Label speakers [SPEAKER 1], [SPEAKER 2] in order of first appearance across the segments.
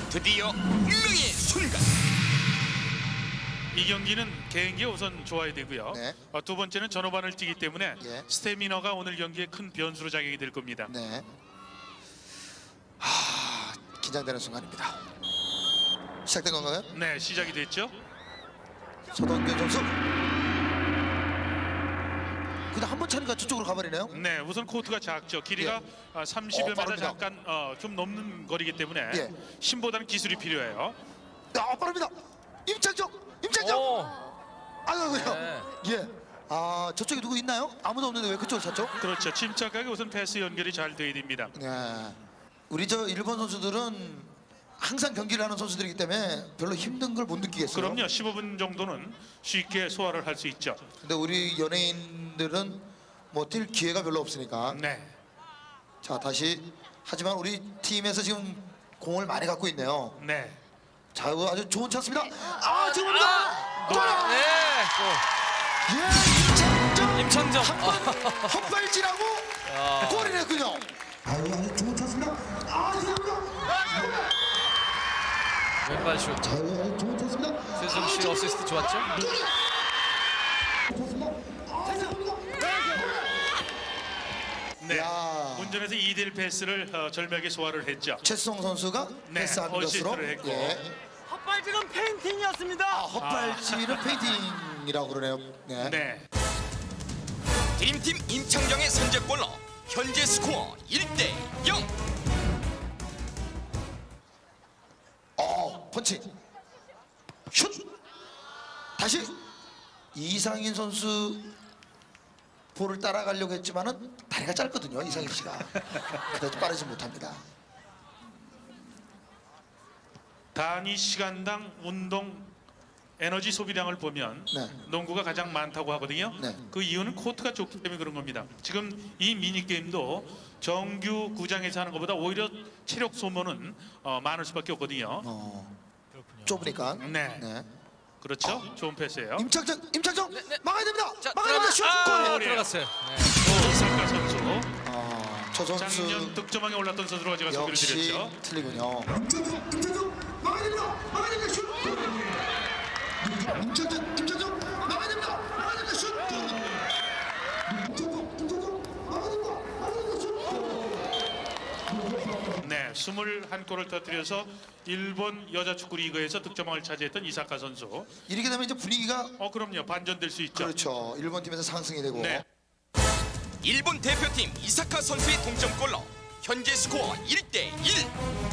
[SPEAKER 1] 드디어 운명의 순간.
[SPEAKER 2] 이 경기는 개인기 우선 좋아야 되고요.
[SPEAKER 3] 네.
[SPEAKER 2] 두 번째는 전후반을 뛰기 때문에
[SPEAKER 3] 예.
[SPEAKER 2] 스태미너가 오늘 경기에 큰 변수로 작용이 될 겁니다.
[SPEAKER 3] 네. 긴장되는 순간입니다. 시작된 건가요?
[SPEAKER 2] 네, 시작이 됐죠.
[SPEAKER 3] 서동균 선수. 그냥 한 번 차니까 저쪽으로 가버리네요.
[SPEAKER 2] 네, 우선 코트가 작죠. 길이가
[SPEAKER 3] 예.
[SPEAKER 2] 30여 미터
[SPEAKER 3] 빠릅니다.
[SPEAKER 2] 잠깐 좀 넘는 거리기 때문에
[SPEAKER 3] 예.
[SPEAKER 2] 힘보다는 기술이 필요해요.
[SPEAKER 3] 빠릅니다. 임창정. 아이고요.
[SPEAKER 4] 네.
[SPEAKER 3] 예. 저쪽에 누구 있나요? 아무도 없는데 왜 그쪽을 찾죠?
[SPEAKER 2] 그렇죠. 침착하게 우선 패스 연결이 잘 돼야 됩니다.
[SPEAKER 3] 네. 우리 저 일본 선수들은 항상 경기를 하는 선수들이기 때문에 별로 힘든 걸 못 느끼겠어요.
[SPEAKER 2] 그럼요. 15분 정도는 쉽게 소화를 할 수 있죠.
[SPEAKER 3] 근데 우리 연예인들은 뭐 뛸 기회가 별로 없으니까.
[SPEAKER 2] 네.
[SPEAKER 3] 자, 다시. 하지만 우리 팀에서 지금 공을 많이 갖고 있네요.
[SPEAKER 2] 네.
[SPEAKER 3] 자, 이거 아주 좋은 찬스입니다. 지금입니다.
[SPEAKER 4] 네.
[SPEAKER 3] 예,
[SPEAKER 4] 임창정.
[SPEAKER 3] 헛발질하고 골이 냈군요. 아주 좋은 찬스입니다. 지금입니다.
[SPEAKER 4] 왼발 슛.
[SPEAKER 3] 자, 이거 좋은 찬스입니다.
[SPEAKER 4] 최수정 씨 어시스트 좋았죠?
[SPEAKER 2] 네.
[SPEAKER 3] 야.
[SPEAKER 2] 운전에서 2대1 패스를 절묘하게 소화를 했죠.
[SPEAKER 3] 최수성 선수가
[SPEAKER 2] 네,
[SPEAKER 3] 패스한 것으로.
[SPEAKER 2] 어시스트를 했고.
[SPEAKER 5] 헛발질은 페인팅이었습니다.
[SPEAKER 3] 헛발질은 페인팅이라고 그러네요. 네.
[SPEAKER 2] 네.
[SPEAKER 1] 드림팀 임창정의 선제골로 현재 스코어 1대 0.
[SPEAKER 3] 펀치. 슛. 다시 이상인 선수 볼을 따라가려고 했지만은 다리가 짧거든요. 이상인 씨가. 그래서 빠르지 못합니다.
[SPEAKER 2] 단위 시간당 운동 에너지 소비량을 보면
[SPEAKER 3] 네.
[SPEAKER 2] 농구가 가장 많다고 하거든요.
[SPEAKER 3] 네.
[SPEAKER 2] 그 이유는 코트가 좁기 때문에 그런 겁니다. 지금 이 미니 게임도 정규 구장에서 하는 것보다 오히려 체력 소모는 많을 수밖에 없거든요.
[SPEAKER 3] 좁으니까.
[SPEAKER 2] 네.
[SPEAKER 3] 네.
[SPEAKER 2] 그렇죠. 좋은 패스예요.
[SPEAKER 3] 임창정 막아야 됩니다.
[SPEAKER 4] 자,
[SPEAKER 3] 막아야 됩니다. 슛. 골.
[SPEAKER 4] 들어갔어요.
[SPEAKER 2] 이사카 선수
[SPEAKER 3] 저
[SPEAKER 2] 작년
[SPEAKER 3] 선수
[SPEAKER 2] 득점왕에 올랐던 선수로 제가 소개를
[SPEAKER 3] 역시
[SPEAKER 2] 드렸죠.
[SPEAKER 3] 틀리군요. 임창정 막아야 됩니다. 막아야 됩니다. 슛. 임창정 막아야 됩니다. 막아야 됩니다. 슛. 임창정 막아야 됩니다. 막아야 됩니다. 슛.
[SPEAKER 2] 네, 21골을 터뜨려서 일본 여자 축구 리그에서 득점왕을 차지했던 이사카 선수.
[SPEAKER 3] 이렇게 되면 이제 분위기가
[SPEAKER 2] 그럼요. 반전될 수 있죠.
[SPEAKER 3] 그렇죠. 일본 팀에서 상승이 되고.
[SPEAKER 2] 네.
[SPEAKER 1] 일본 대표팀 이사카 선수의 동점골로 현재 스코어 1대 1.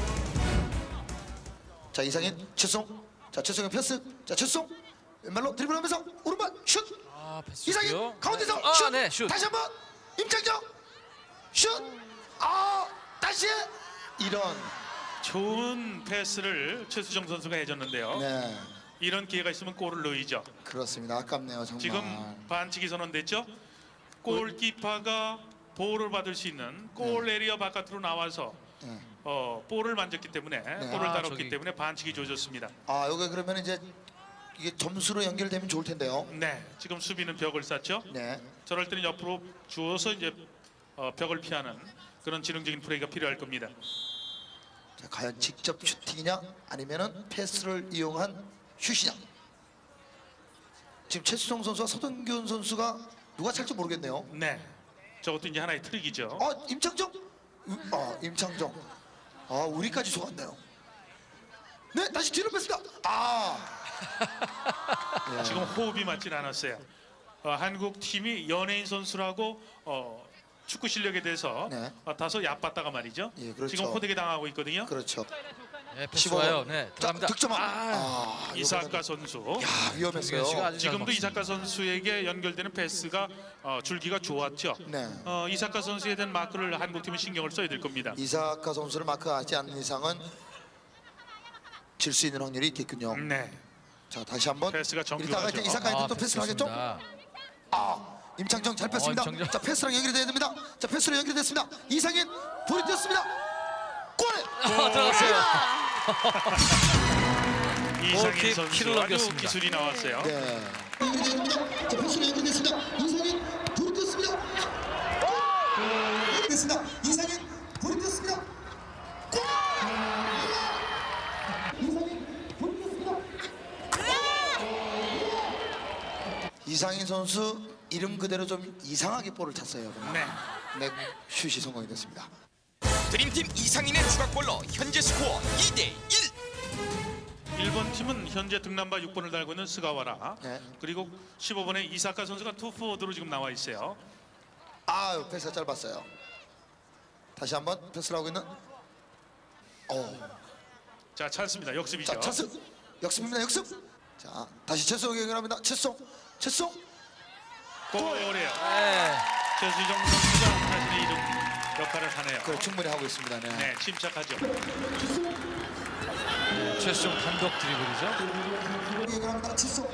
[SPEAKER 3] 자, 이상인 최송. 자, 최송의 패스. 자, 최송 왼발로 드리블하면서 오른발 슛.
[SPEAKER 4] 패스
[SPEAKER 3] 이상인
[SPEAKER 4] 좋고요.
[SPEAKER 3] 가운데서
[SPEAKER 4] 네.
[SPEAKER 3] 슛.
[SPEAKER 4] 네, 슛.
[SPEAKER 3] 다시 한번 임창정 슛. 다시 이런.
[SPEAKER 2] 좋은 패스를 최수정 선수가 해줬는데요.
[SPEAKER 3] 네,
[SPEAKER 2] 이런 기회가 있으면 골을 넣이죠.
[SPEAKER 3] 그렇습니다. 아깝네요, 정말.
[SPEAKER 2] 지금 반칙이 선언됐죠. 골키퍼가 볼을 받을 수 있는 골 에리어 바깥으로 나와서
[SPEAKER 3] 네.
[SPEAKER 2] 볼을 만졌기 때문에 볼을 다뤘기
[SPEAKER 4] 저기.
[SPEAKER 2] 때문에 반칙이 줘졌습니다.
[SPEAKER 3] 여기 그러면 이제 이게 점수로 연결되면 좋을 텐데요.
[SPEAKER 2] 네, 지금 수비는 벽을 쌌죠.
[SPEAKER 3] 네.
[SPEAKER 2] 저럴 때는 옆으로 주어서 이제 벽을 피하는 그런 지능적인 플레이가 필요할 겁니다.
[SPEAKER 3] 자, 과연 직접 슈팅이냐 아니면은 패스를 이용한 슛이냐. 지금 최수성 선수와 서동균 선수가 누가 찰지 모르겠네요.
[SPEAKER 2] 네, 저것도 이제 하나의 트릭이죠.
[SPEAKER 3] 임창정. 임창정. 우리까지 속았네요. 네, 다시 뒤로 뺐습니다.
[SPEAKER 2] 지금 호흡이 맞진 않았어요. 한국 팀이 연예인 선수라고 축구 실력에 대해서
[SPEAKER 3] 네.
[SPEAKER 2] 다소 얕봤다가 말이죠.
[SPEAKER 3] 예, 그렇죠.
[SPEAKER 2] 지금 호되게 당하고 있거든요.
[SPEAKER 3] 그렇죠.
[SPEAKER 4] 네, 패스
[SPEAKER 3] 15.
[SPEAKER 4] 좋아요. 네,
[SPEAKER 3] 자,
[SPEAKER 4] 들어갑니다.
[SPEAKER 3] 득점왕.
[SPEAKER 2] 이사카 선수.
[SPEAKER 3] 위험했어요.
[SPEAKER 4] 정규현 씨가 아주 잘
[SPEAKER 2] 지금도
[SPEAKER 4] 먹습니다.
[SPEAKER 2] 이사카 선수에게 연결되는 패스가 줄기가 좋았죠.
[SPEAKER 3] 네.
[SPEAKER 2] 이사카 선수에 대한 마크를 한국팀은 신경을 써야 될 겁니다.
[SPEAKER 3] 이사카 선수를 마크하지 않는 이상은 질 수 있는 확률이 있겠군요.
[SPEAKER 2] 네,
[SPEAKER 3] 자, 다시 한번.
[SPEAKER 2] 패스가
[SPEAKER 3] 이따가
[SPEAKER 2] 정교하죠.
[SPEAKER 3] 이제 이사카한테 또 패스를 하겠죠?
[SPEAKER 4] 좋습니다.
[SPEAKER 3] 임창정 잘 뺐습니다.
[SPEAKER 4] 임창정.
[SPEAKER 3] 자, 패스랑 연결이 돼야 됩니다. 자, 패스로 연결됐습니다. 이상인 볼이 뛰었습니다. 골!
[SPEAKER 4] 들어갔어요.
[SPEAKER 2] 이상인
[SPEAKER 4] 골킥
[SPEAKER 2] 선수
[SPEAKER 4] 키를
[SPEAKER 2] 아주
[SPEAKER 4] 넘겼습니다.
[SPEAKER 2] 기술이 나왔어요.
[SPEAKER 3] 네. 자, 패스로 연결됐습니다. 이상인 볼이 뛰었습니다. 됐습니다. 이상인 볼이 뛰었습니다. 골! 이상인 선수 이름 그대로 좀 이상하게 볼을 찼어요.
[SPEAKER 2] 네.
[SPEAKER 3] 네, 슛이 성공이 됐습니다.
[SPEAKER 1] 드림팀 이상인의 추가골로 현재 스코어 2대1.
[SPEAKER 2] 일본 팀은 현재 등남바 6번을 달고 있는 스가와라.
[SPEAKER 3] 네.
[SPEAKER 2] 그리고 15번의 이사카 선수가 투포워드로 지금 나와 있어요.
[SPEAKER 3] 아, 패스가 짧았어요. 다시 한번 패스를 하고 있는.
[SPEAKER 2] 자, 찬스입니다. 역습이죠.
[SPEAKER 3] 자, 찬스. 역습입니다. 역습. 자, 다시 최수홍이 연결합니다. 최수홍.
[SPEAKER 2] 골이에요.
[SPEAKER 4] 네.
[SPEAKER 2] 최수정 선수가 자신의 이름 역할을 하네요.
[SPEAKER 3] 그걸 충분히 하고 있습니다. 네.
[SPEAKER 2] 네, 침착하죠.
[SPEAKER 4] 최수종 단독 드리블이죠.
[SPEAKER 3] 연결합니다. 최수홍.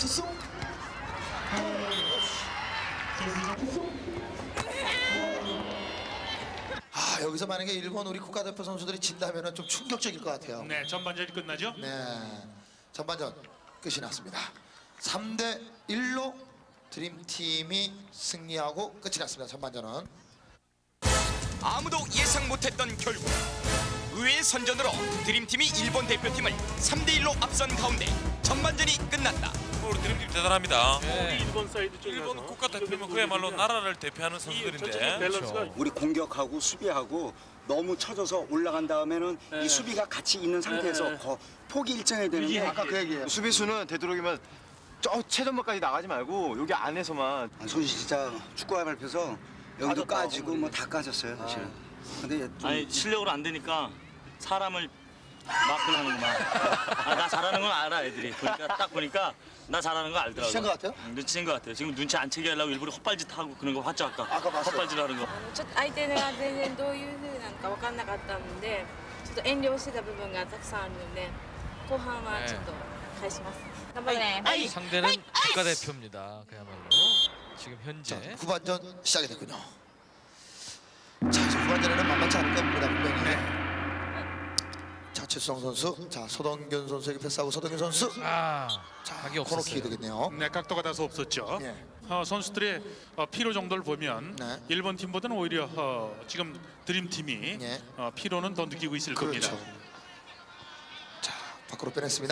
[SPEAKER 3] 아, 여기서 만약에 일본 우리 국가대표 선수들이 진다면은 좀 충격적일 것 같아요.
[SPEAKER 2] 네, 전반전이 끝나죠.
[SPEAKER 3] 네, 전반전 끝이 났습니다. 3대 1로 드림팀이 승리하고 끝이 났습니다. 전반전은.
[SPEAKER 1] 아무도 예상 못했던 결과. 의외의 선전으로 드림팀이 일본 대표팀을 3대1로 앞선 가운데 전반전이 끝났다.
[SPEAKER 6] 우리 드림팀 대단합니다.
[SPEAKER 4] 네.
[SPEAKER 6] 일본 국가대표면 그야말로 나라를 대표하는 선수들인데
[SPEAKER 7] 우리 공격하고 수비하고 너무 쳐져서 올라간 다음에는 이 수비가 같이 있는 상태에서 폭이 일정해야 되는데
[SPEAKER 3] 아까 그 얘기예요.
[SPEAKER 8] 수비수는 되도록이면 저 최전방까지 나가지 말고 여기 안에서만.
[SPEAKER 7] 손이 진짜 축구화 밟혀서 여기도 까지고 뭐 다 까졌어요 사실. 근데 좀
[SPEAKER 5] 아니 실력으로 안 되니까 사람을 마크하는구만. 나 잘하는 건 알아 애들이. 딱 보니까 나 잘하는 거 알더라고.
[SPEAKER 3] 눈치챈 것 같아요?
[SPEAKER 5] 눈치챈 것 같아요. 지금 눈치 안 채게 하려고 일부러 헛발짓 하고 그런 거 봤죠 아까.
[SPEAKER 3] 아까 봤어요.
[SPEAKER 5] 헛발질 하는 거.
[SPEAKER 9] ちょっと相手が全然どういう風なのか分かんなかったのでちょっと遠慮してた部分がたくさんあるので後半はちょっと返します頑張れね
[SPEAKER 4] 상대는 국가대표입니다. 그야말로 지금 현재
[SPEAKER 3] 후반전 시작이 됐군요. 자, 이제 후반전에는 만만치 않을 겁니다. 분명히. 자, 최수성 선수, 자 서동균 선수에게 패스하고 서동균 선수.
[SPEAKER 4] 자
[SPEAKER 3] 자,
[SPEAKER 4] 각이
[SPEAKER 3] 코너킥이
[SPEAKER 4] 없었어요.
[SPEAKER 3] 되겠네요.
[SPEAKER 2] 네, 각도가 다소 없었죠.
[SPEAKER 3] 예.
[SPEAKER 2] 선수들의 피로 정도를 보면
[SPEAKER 3] 네.
[SPEAKER 2] 일본 팀보다는 오히려 지금 드림팀이
[SPEAKER 3] 예.
[SPEAKER 2] 피로는 더 느끼고 있을
[SPEAKER 3] 그렇죠.
[SPEAKER 2] 겁니다.
[SPEAKER 3] 자, 밖으로 빼냈습니다.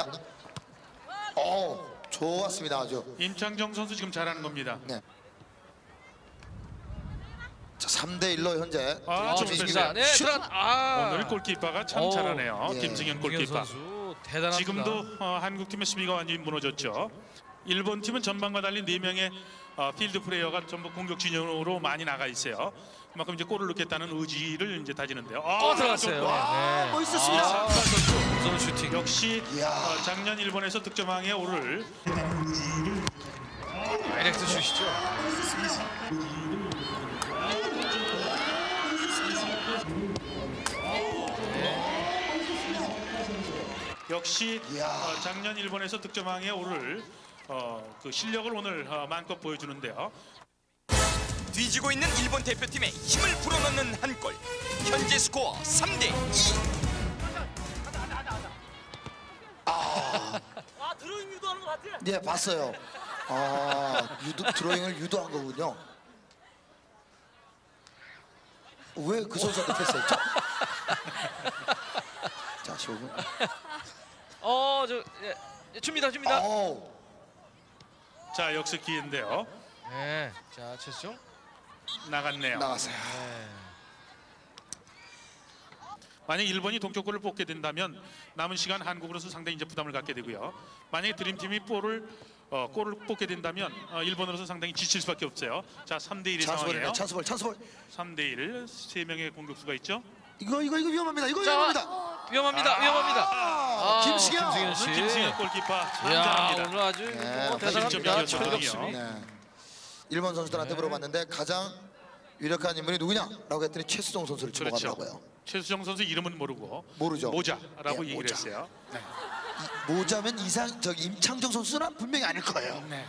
[SPEAKER 3] 좋았습니다. 아주.
[SPEAKER 2] 임창정 선수 지금 잘하는 겁니다.
[SPEAKER 3] 네. 자, 3대 1로 현재
[SPEAKER 2] 아,
[SPEAKER 3] 드림팀이
[SPEAKER 2] 좋습니다.
[SPEAKER 3] 이기고
[SPEAKER 4] 네,
[SPEAKER 3] 슛!
[SPEAKER 2] 오늘 골키퍼가 참
[SPEAKER 4] 오,
[SPEAKER 2] 잘하네요.
[SPEAKER 3] 예.
[SPEAKER 2] 김승현
[SPEAKER 4] 김승현
[SPEAKER 2] 골키퍼.
[SPEAKER 4] 선수 대단합니다.
[SPEAKER 2] 지금도 한국팀의 수비가 완전히 무너졌죠. 일본 팀은 전반과 달리 4명의 필드 플레이어가 전부 공격 진영으로 많이 나가 있어요. 그만큼 이제 골을 넣겠다는 의지를 이제 다지는데요.
[SPEAKER 4] 들어갔어요. 네.
[SPEAKER 3] 멋있었습니다.
[SPEAKER 4] 무서운 슈팅.
[SPEAKER 2] 역시
[SPEAKER 3] 이야.
[SPEAKER 2] 작년 일본에서 득점왕에 오를
[SPEAKER 4] 다이렉트 슛이죠.
[SPEAKER 2] 역시
[SPEAKER 3] 이야.
[SPEAKER 2] 작년 일본에서 득점왕에 오를 그 실력을 오늘 마음껏 보여주는데요.
[SPEAKER 1] 뒤지고 있는 일본 대표팀에 힘을 불어넣는 한 골. 현재 스코어 3대2.
[SPEAKER 5] 아 드로잉 유도하는 거 봤지?
[SPEAKER 3] 네, 봤어요. 드로잉을 유도한 거군요. 왜 그 선수한테 패스했죠? 자, 15분.
[SPEAKER 4] 줍니다.
[SPEAKER 2] 자, 역습 기회인데요.
[SPEAKER 4] 네, 자 최수종.
[SPEAKER 2] 나갔네요.
[SPEAKER 3] 나갔어요.
[SPEAKER 2] 만약 일본이 동쪽골을 뽑게 된다면 남은 시간 한국으로서 상당히 이제 부담을 갖게 되고요. 만약에 드림팀이 골을 뽑게 된다면 일본으로서 상당히 지칠 수밖에 없어요. 자, 3대 1의 상황이에요.
[SPEAKER 3] 찬스볼.
[SPEAKER 2] 3대 1, 3명의 공격수가 있죠.
[SPEAKER 3] 이거 위험합니다. 이거 위험합니다.
[SPEAKER 4] 위험합니다.
[SPEAKER 3] 김승현.
[SPEAKER 4] 씨.
[SPEAKER 2] 김승현 골키퍼
[SPEAKER 4] 야,
[SPEAKER 2] 참잘합니다.
[SPEAKER 4] 오늘 아주
[SPEAKER 3] 네,
[SPEAKER 4] 대단합니다.
[SPEAKER 2] 실점이었거든요.
[SPEAKER 4] 철벽 수비.
[SPEAKER 3] 네. 일본 선수들한테 물어봤는데 가장 유력한 인물이 누구냐라고 했더니 최수종 선수를
[SPEAKER 2] 그렇죠.
[SPEAKER 3] 주목하더라고요.
[SPEAKER 2] 최수정 선수 이름은 모르고
[SPEAKER 3] 모르죠.
[SPEAKER 2] 모자라고
[SPEAKER 3] 예,
[SPEAKER 2] 얘기를
[SPEAKER 3] 모자.
[SPEAKER 2] 했어요. 네.
[SPEAKER 3] 모자면 임창정 선수는 분명히 아닐 거예요.
[SPEAKER 2] 네.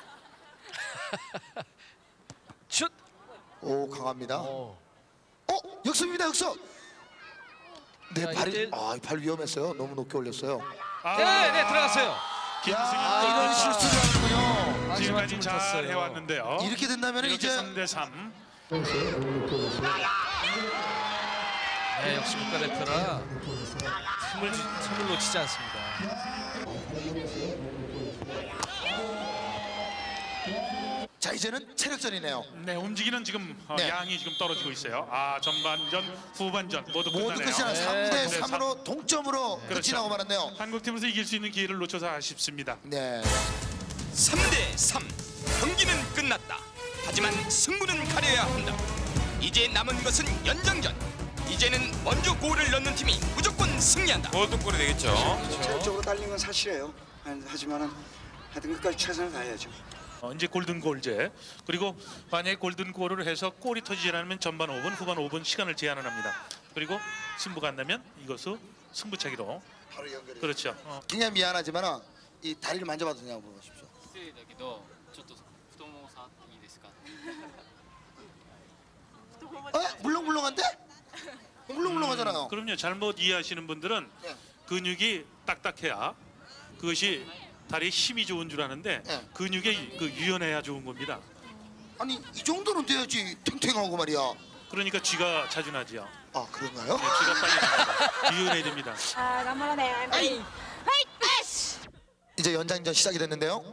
[SPEAKER 4] 슛.
[SPEAKER 3] 오, 강합니다.
[SPEAKER 4] 어.
[SPEAKER 3] 역습입니다. 역습. 네,
[SPEAKER 4] 자,
[SPEAKER 3] 발이
[SPEAKER 4] 이때-
[SPEAKER 3] 발 위험했어요. 너무 높게 올렸어요.
[SPEAKER 4] 네, 들어갔어요.
[SPEAKER 2] 김승현
[SPEAKER 3] 이런
[SPEAKER 2] 골키퍼
[SPEAKER 3] 실수를 하는군요.
[SPEAKER 2] 지금까지
[SPEAKER 4] 틈을
[SPEAKER 2] 잘
[SPEAKER 4] 탔어요.
[SPEAKER 2] 해왔는데요.
[SPEAKER 3] 이렇게 된다면
[SPEAKER 2] 이렇게
[SPEAKER 3] 이제
[SPEAKER 2] 3대 3.
[SPEAKER 4] 네, 역시 국가대표라 틈을 놓치지 않습니다.
[SPEAKER 3] 자 이제는 체력전이네요.
[SPEAKER 2] 네, 움직이는 지금
[SPEAKER 3] 네.
[SPEAKER 2] 양이 지금 떨어지고 있어요. 전반전, 후반전 모두
[SPEAKER 3] 모두
[SPEAKER 2] 끝나네요.
[SPEAKER 3] 끝이 나
[SPEAKER 4] 네.
[SPEAKER 3] 3대 3으로 동점으로 끝이
[SPEAKER 2] 그렇죠.
[SPEAKER 3] 나고 말았네요.
[SPEAKER 2] 한국팀에서 이길 수 있는 기회를 놓쳐서 아쉽습니다.
[SPEAKER 3] 네.
[SPEAKER 1] 3대 3. 경기는 끝났다. 하지만 승부는 가려야 한다. 이제 남은 것은 연장전. 이제는 먼저 골을 넣는 팀이 무조건 승리한다.
[SPEAKER 6] 골든골이 되겠죠.
[SPEAKER 7] 체력적으로 달린 건 사실이에요. 하지만은 하여튼 끝까지 최선을 다해야죠.
[SPEAKER 2] 이제 골든골제, 그리고 만약에 골든골을 해서 골이 터지지 않으면 전반 5분, 후반 5분 시간을 제한을 합니다. 그리고 승부가 안 나면 이것을 승부차기로.
[SPEAKER 3] 바로 연결이.
[SPEAKER 2] 그렇죠.
[SPEAKER 3] 굉장히 미안하지만 이 다리를 만져봐도 되냐고 물어보십시오.
[SPEAKER 10] 失礼だけどちょっと太もも触っていいですか
[SPEAKER 3] 물렁물렁한데? 물렁물렁하잖아요.
[SPEAKER 2] 그럼요. 잘못 이해하시는 분들은
[SPEAKER 3] 네.
[SPEAKER 2] 근육이 딱딱해야 그것이 다리에 힘이 좋은 줄 아는데
[SPEAKER 3] 네.
[SPEAKER 2] 근육이 유연해야 좋은 겁니다.
[SPEAKER 3] 아니 이 정도는 돼야지 탱탱하고 말이야.
[SPEAKER 2] 그러니까 쥐가 자주 나지요.
[SPEAKER 3] 아 그런가요?
[SPEAKER 2] 네, 쥐가 빨리 납니다. 유연해야 됩니다.
[SPEAKER 9] 아,頑張らね. 하이.
[SPEAKER 3] 이제 연장전 시작이 됐는데요.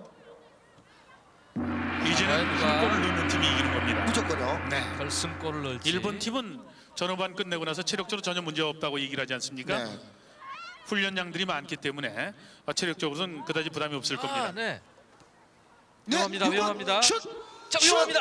[SPEAKER 2] 이제는 한 골을 넣는 팀이 이기는 겁니다.
[SPEAKER 3] 무조건요.
[SPEAKER 2] 네.
[SPEAKER 4] 결승골을 넣을지.
[SPEAKER 2] 일본 팀은 전후반 끝내고 나서 체력적으로 전혀 문제 없다고 얘기를 하지 않습니까?
[SPEAKER 3] 네.
[SPEAKER 2] 훈련량들이 많기 때문에 체력적으로는 그다지 부담이 없을 겁니다.
[SPEAKER 4] 네.
[SPEAKER 3] 네,
[SPEAKER 4] 위험합니다.
[SPEAKER 3] 이건
[SPEAKER 4] 위험합니다.
[SPEAKER 3] 슛!
[SPEAKER 4] 자,
[SPEAKER 3] 슛!
[SPEAKER 4] 위험합니다.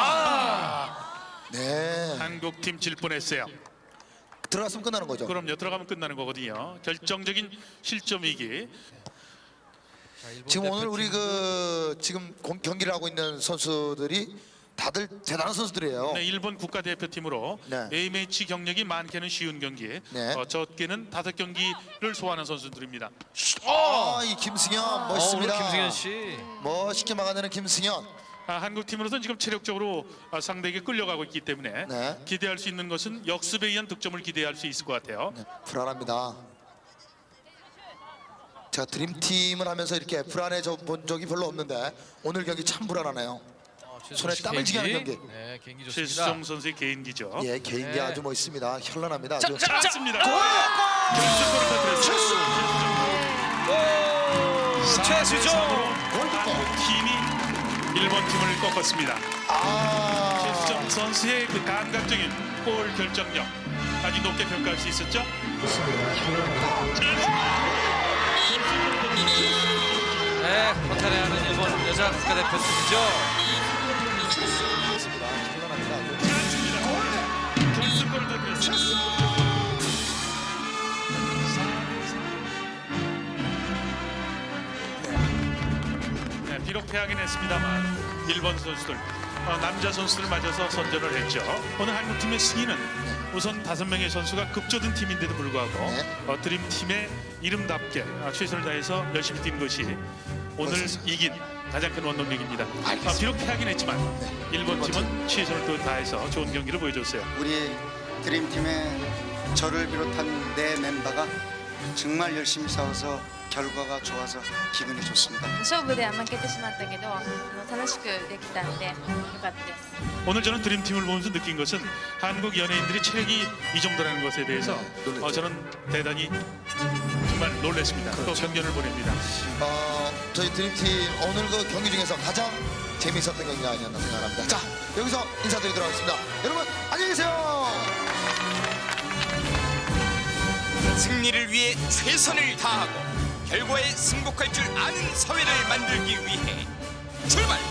[SPEAKER 3] 네.
[SPEAKER 2] 한국 팀 질 뻔했어요.
[SPEAKER 3] 들어갔으면 끝나는 거죠.
[SPEAKER 2] 그럼요. 들어가면 끝나는 거거든요. 결정적인 실점이기.
[SPEAKER 4] 자, 일본
[SPEAKER 3] 지금 오늘 우리
[SPEAKER 4] 대표팀.
[SPEAKER 3] 지금 경기를 하고 있는 선수들이 다들 대단한 선수들이에요.
[SPEAKER 2] 네, 일본 국가대표팀으로
[SPEAKER 3] 네.
[SPEAKER 2] A매치 경력이 많게는 쉬운 경기,
[SPEAKER 3] 네.
[SPEAKER 2] 적게는 5경기를 소화하는 선수들입니다.
[SPEAKER 3] 이 김승현 멋있습니다.
[SPEAKER 4] 오늘 김승현 씨.
[SPEAKER 3] 멋있게 막아내는 김승현.
[SPEAKER 2] 한국 팀으로서는 지금 체력적으로 상대에게 끌려가고 있기 때문에
[SPEAKER 3] 네.
[SPEAKER 2] 기대할 수 있는 것은 역습에 의한 득점을 기대할 수 있을 것 같아요.
[SPEAKER 3] 네, 불안합니다. 제가 드림팀을 하면서 이렇게 불안해져 본 적이 별로 없는데 오늘 경기 참 불안하네요. 손에 땀을 쥐게 하는 경기.
[SPEAKER 4] 네, 개인기 좋습니다.
[SPEAKER 2] 최수정 선수의 개인기죠.
[SPEAKER 3] 예, 개인기
[SPEAKER 4] 네.
[SPEAKER 3] 아주 멋있습니다. 현란합니다. 아주.
[SPEAKER 2] 맞습니다. 결승골을 터뜨렸어요.
[SPEAKER 4] 최수정.
[SPEAKER 2] 한국 팀이 일본 팀을 꺾었습니다. 최수정 선수의 그 감각적인 골 결정력 아주 높게 평가할 수 있었죠.
[SPEAKER 4] 네, 허탈해하는 일본 여자 국가대표팀이죠.
[SPEAKER 2] 결승골을 터뜨렸어요. 네, 비록 패하긴 했습니다만 일본 선수들 남자 선수들 맞아서 선전을 했죠. 오늘 한국팀의 승리는 우선 5명의 선수가 급조된 팀인데도 불구하고
[SPEAKER 3] 네.
[SPEAKER 2] 드림팀의 이름답게 최선을 다해서 열심히 뛴 것이 오늘
[SPEAKER 3] 멋있었어요.
[SPEAKER 2] 이긴 가장 큰 원동력입니다.
[SPEAKER 3] 알겠습니다.
[SPEAKER 2] 비록 패하긴 했지만 일본
[SPEAKER 3] 일본
[SPEAKER 2] 팀은 최선을 또 다해서 좋은 경기를 보여줬어요.
[SPEAKER 7] 우리 드림팀의 저를 비롯한 네 멤버가 정말 열심히 싸워서 결과가 좋아서 기분이 좋습니다.
[SPEAKER 9] 勝負では負けてしまったけど、楽しくできたんで、よかったです。
[SPEAKER 2] 오늘 저는 드림팀을 보면서 느낀 것은 한국 연예인들이 체력이 이 정도라는 것에 대해서
[SPEAKER 3] 놀랐죠.
[SPEAKER 2] 저는 대단히 정말 놀랐습니다. 또 경련을 보냅니다.
[SPEAKER 3] 저희 드림팀 오늘 그 경기 중에서 가장 재미있었던 경기가 아니었나 생각합니다. 자, 여기서 인사드리도록 하겠습니다. 여러분 안녕히 계세요.
[SPEAKER 1] 승리를 위해 최선을 다하고 결과에 승복할 줄 아는 사회를 만들기 위해 출발!